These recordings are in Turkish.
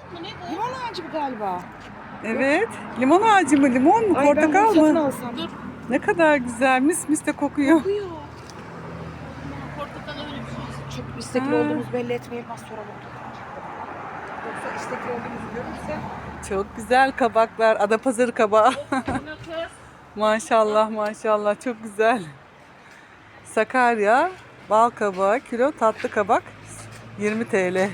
mı ne bu? Limon ağacı bu galiba. Evet. Limon ağacı mı? Limon mu? Ay, ben Portakal bunu satın mı? alsam. Dur. Ne kadar güzel. Mis mis de kokuyor. Kokuyor. Portakal öyle bir şey. Çok istekli Ha. olduğumuzu belli etmeyelim, az sonra bulduk. Yoksa istekli olduğumuzu görürse. Çok güzel kabaklar. Adapazarı kabağı. Bu ne kız? Maşallah maşallah. Çok güzel. Sakarya bal kabağı kilo, tatlı kabak 20 TL.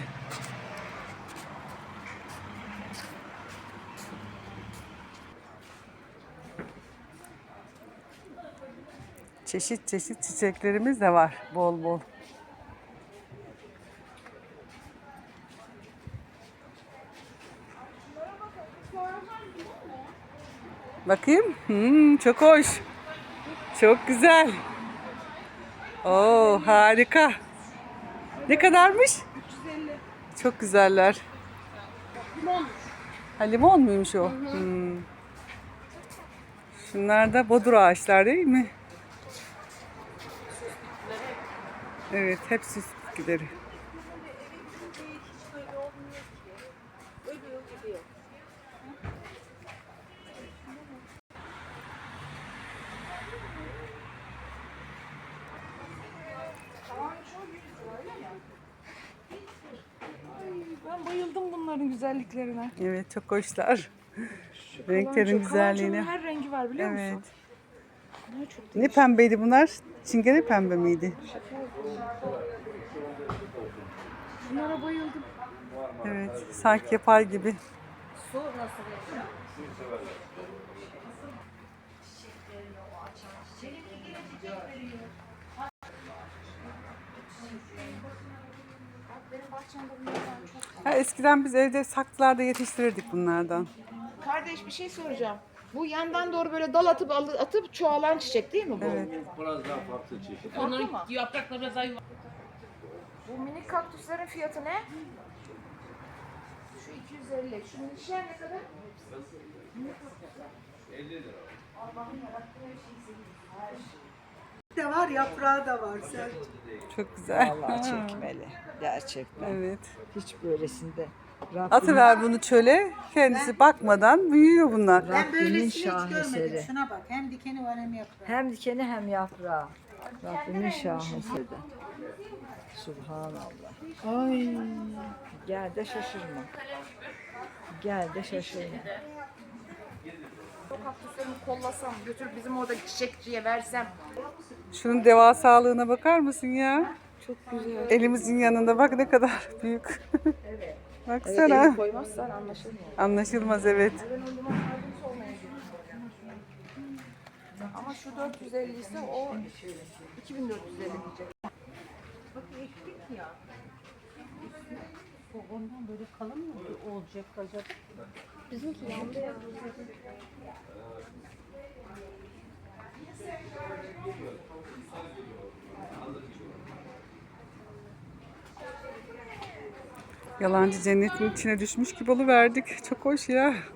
Çeşit çeşit çiçeklerimiz de var bol bol. Bakayım. Çok hoş. Çok güzel. Oo, harika. Ne kadarmış? 350. Çok güzeller. Limon. Ha, limon muymuş o? Şunlar da bodur ağaçlar değil mi? Evet, hep süs bitkileri. Ben bayıldım bunların güzelliklerine. Evet, çok hoşlar. Şu Renklerin kalanço- güzelliğine. kalançonun her rengi var biliyor Evet. musun? Bunlar çok Ne değişik. pembeydi bunlar? Çingene pembe miydi? Bunlara bayıldım. Evet, sanki yapay gibi. Su nasıl yapıyor? Benim bahçemde bunlardan çok var. Ha, eskiden biz evde saksılarda yetiştirirdik bunlardan. Kardeş bir şey soracağım. Bu yandan doğru böyle dal atıp çoğalan çiçek değil mi bu? Evet. Biraz daha farklı çeşit. Onların yaprakları biraz daha yuvarlak. Bu minik kaktüslerin fiyatı ne? Şu 250. Şu minişler ne kadar? 50 lira. Allah'ım yarattığı her şeyi seviyorum. Her şey. de var, yaprağı da var. Sen Çok güzel. vallahi çekmeli. Gerçekten. Evet. Hiç böylesinde. Atıver bunu çöle. Kendisi bakmadan büyüyor bunlar. Ben böylesini hiç şaheseri. görmedim. Şuna bak. Hem dikeni var hem yaprağı. Hem dikeni hem yaprağı. Rabbimin şaheseri. Subhanallah. Ay. Gel de şaşırma. Gel de şaşırma. O kaktüslerimi kollasam, götürüp bizim oradaki çiçekçiye versem. Şunun devasalığına bakar mısın ya? Çok güzel. Elimizin yanında bak ne kadar büyük. Baksana. Eli koymazsan anlaşılmıyor. Anlaşılmaz evet. Ben o limon yardımcısı olmaya gidiyorum. Ama şu 450 ise o 2450 diyecek. Ondan böyle kalın mı olacak acaba? Bizimki yandı ya. Yalancı cennetin içine düşmüş gibi oluverdik. Çok hoş ya.